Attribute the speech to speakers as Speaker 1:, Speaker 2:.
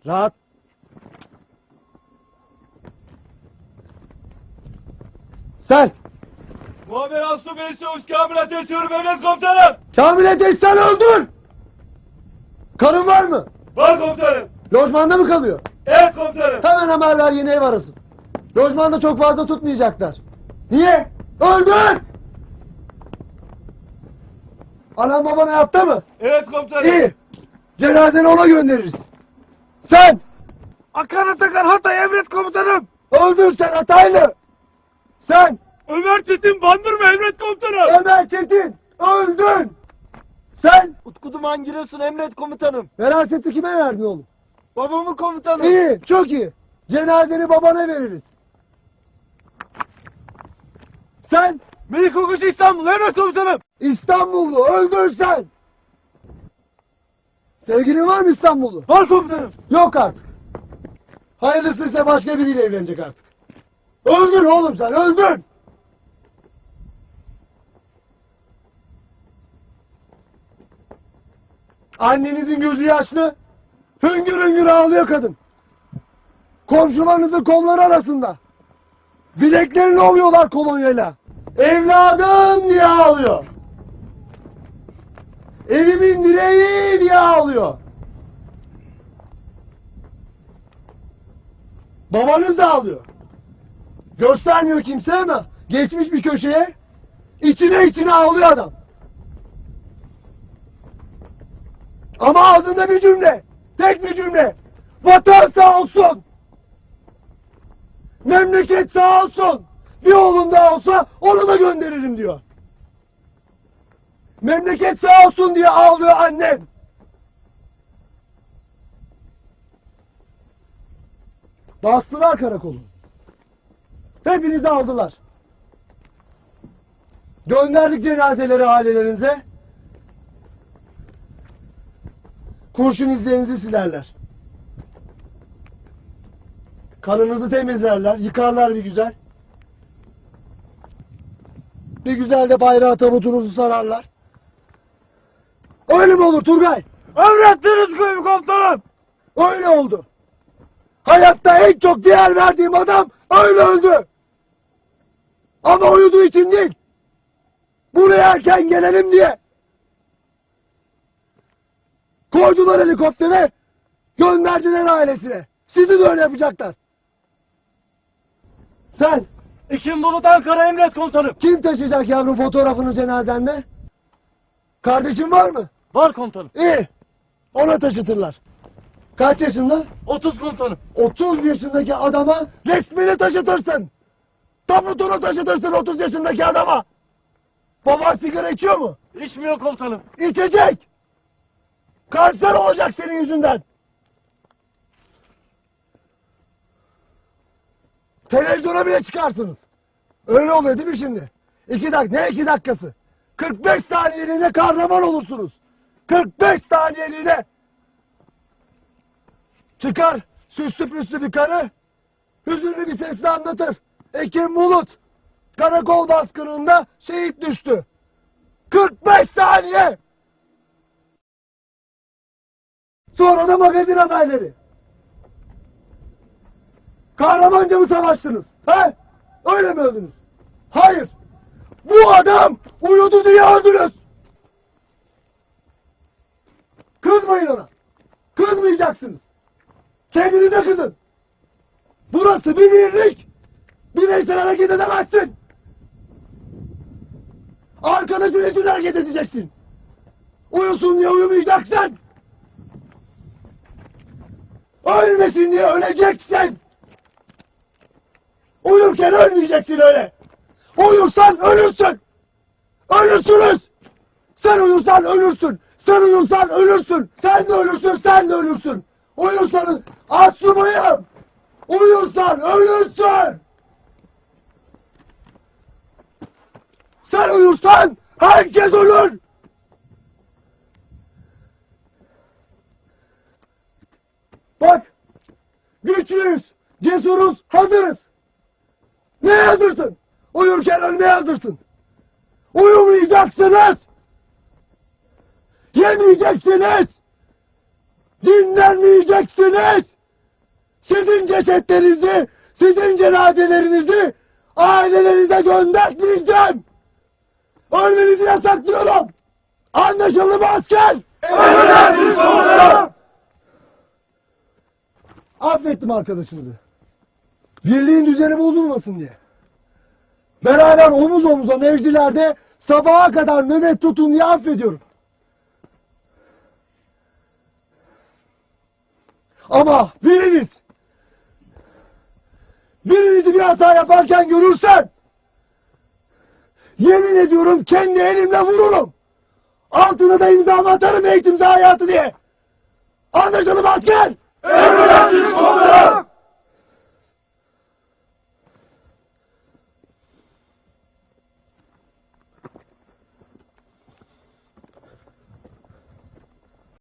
Speaker 1: Rahat. Sen.
Speaker 2: Muammer Asubey Çavuş Kamil Ateş Yürüm Emret Komutanım.
Speaker 1: Kamil Ateş sen öldün. Karın var mı?
Speaker 2: Var komutanım.
Speaker 1: Lojmanda mı kalıyor?
Speaker 2: Evet komutanım.
Speaker 1: Hemen haberler yeni ev arasın. Lojmanda çok fazla tutmayacaklar. Niye? Öldün! Anam baban hayatta mı?
Speaker 2: Evet komutanım.
Speaker 1: İyi. Cenazeni ona göndeririz. Sen!
Speaker 2: Akan Atakan Hatay Emret Komutanım.
Speaker 1: Öldün sen Hataylı! Sen!
Speaker 2: Ömer Çetin Bandırma Emret Komutanım.
Speaker 1: Ömer Çetin! Öldün! Sen!
Speaker 3: Utku Duman Giresun Emret Komutanım.
Speaker 1: Veraseti kime verdin oğlum?
Speaker 3: Babamı komutanım.
Speaker 1: İyi, çok iyi. Cenazeni babana veririz. Sen!
Speaker 2: Melik Okuş İstanbul Emret Komutanım.
Speaker 1: İstanbullu, öldün sen! Sevgilin var mı İstanbullu?
Speaker 2: Var komutanım.
Speaker 1: Yok artık. Hayırlısıysa başka biriyle evlenecek artık. Öldün oğlum sen, öldün! Annenizin gözü yaşlı, hüngür hüngür ağlıyor kadın. Komşularınızın kolları arasında. Bileklerini ovuyorlar kolonyayla. Evladım diye ağlıyor. Evimin direği diye ağlıyor. Babanız da ağlıyor. Göstermiyor kimse ama geçmiş bir köşeye içine ağlıyor adam. Ama ağzında bir cümle. Tek bir cümle. Vatan sağ olsun. Memleket sağ olsun. Bir oğlum daha olsa onu da gönderirim diyor. Memleket sağ olsun diye ağlıyor annem. Bastılar karakolu. Hepinizi aldılar. Gönderdik cenazeleri ailelerinize. Kurşun izlerinizi silerler. Kanınızı temizlerler, yıkarlar bir güzel. Bir güzel de bayrağı tabutunuzu sararlar. Öyle mi olur Turgay?
Speaker 2: Emrettiniz komutanım.
Speaker 1: Öyle oldu. Hayatta en çok değer verdiğim adam öyle öldü. Ama uyuduğu için değil. Buraya erken gelelim diye. Koydular helikoptere, gönderdiler ailesine. Sizi de öyle yapacaklar. Sen,
Speaker 2: İkin Bulut Ankara Emret Komutanım.
Speaker 1: kim taşıyacak yavrum fotoğrafını cenazende? Kardeşin var mı?
Speaker 2: Var komutanım.
Speaker 1: İyi. Ona taşıtırlar. Kaç yaşında?
Speaker 2: 30 komutanım.
Speaker 1: 30 yaşındaki adama resmini taşıtırsın. Tabutunu taşıtırsın 30 yaşındaki adama. Baban sigara içiyor mu?
Speaker 2: İçmiyor komutanım.
Speaker 1: İçecek. Kanser olacak senin yüzünden. Televizyona bile çıkarsınız. Öyle oluyor değil mi şimdi? 2 dakika, ne 2 dakikası? 45 saniyeliğine kahraman olursunuz. 45 saniyeliğine. Çıkar süslü püslü bir karı, hüzünlü bir sesle anlatır. Ekim Bulut karakol baskınında şehit düştü. 45 saniye. Sonra da magazin haberleri. Kahramanca mı savaştınız? He? Öyle mi öldünüz? Hayır. Bu adam uyudu diye öldünüz. Kızmayın ona. Kızmayacaksınız. Kendinize kızın. Burası bir birlik. Bireysel hareket edemezsin. Arkadaşın için hareket edeceksin. Uyusun diye uyumayacaksın. Ölmesin diye öleceksin. Uyurken ölmeyeceksin öyle. Uyursan ölürsün. Ölürsünüz. Sen uyursan ölürsün. Sen uyursan ölürsün. Sen de ölürsün, sen de ölürsün. Uyursanız asubayım. Uyursan ölürsün. Sen uyursan herkes ölür. Bak, güçlüyüz, cesuruz, hazırız. Ne hazırsın? Uyurken ölmeye hazırsın. Uyumayacaksınız. Yemeyeceksiniz. Dinlenmeyeceksiniz. sizin cesetlerinizi, sizin cenazelerinizi ailelerinize göndermeyeceğim. Ölmenizi yasaklıyorum. Anlaşıldı mı asker?
Speaker 2: Emredersiniz komutanım.
Speaker 1: Affettim arkadaşınızı. Birliğin düzeni bozulmasın diye. Beraber omuz omuza mevzilerde sabaha kadar nöbet tutun diye affediyorum. Ama birinizi bir hata yaparken görürsem, yemin ediyorum kendi elimle vururum. Altına da imzamı atarım eğitimci hayatı diye. Anlaşıldı mı asker?
Speaker 2: Emredersiniz komutanım.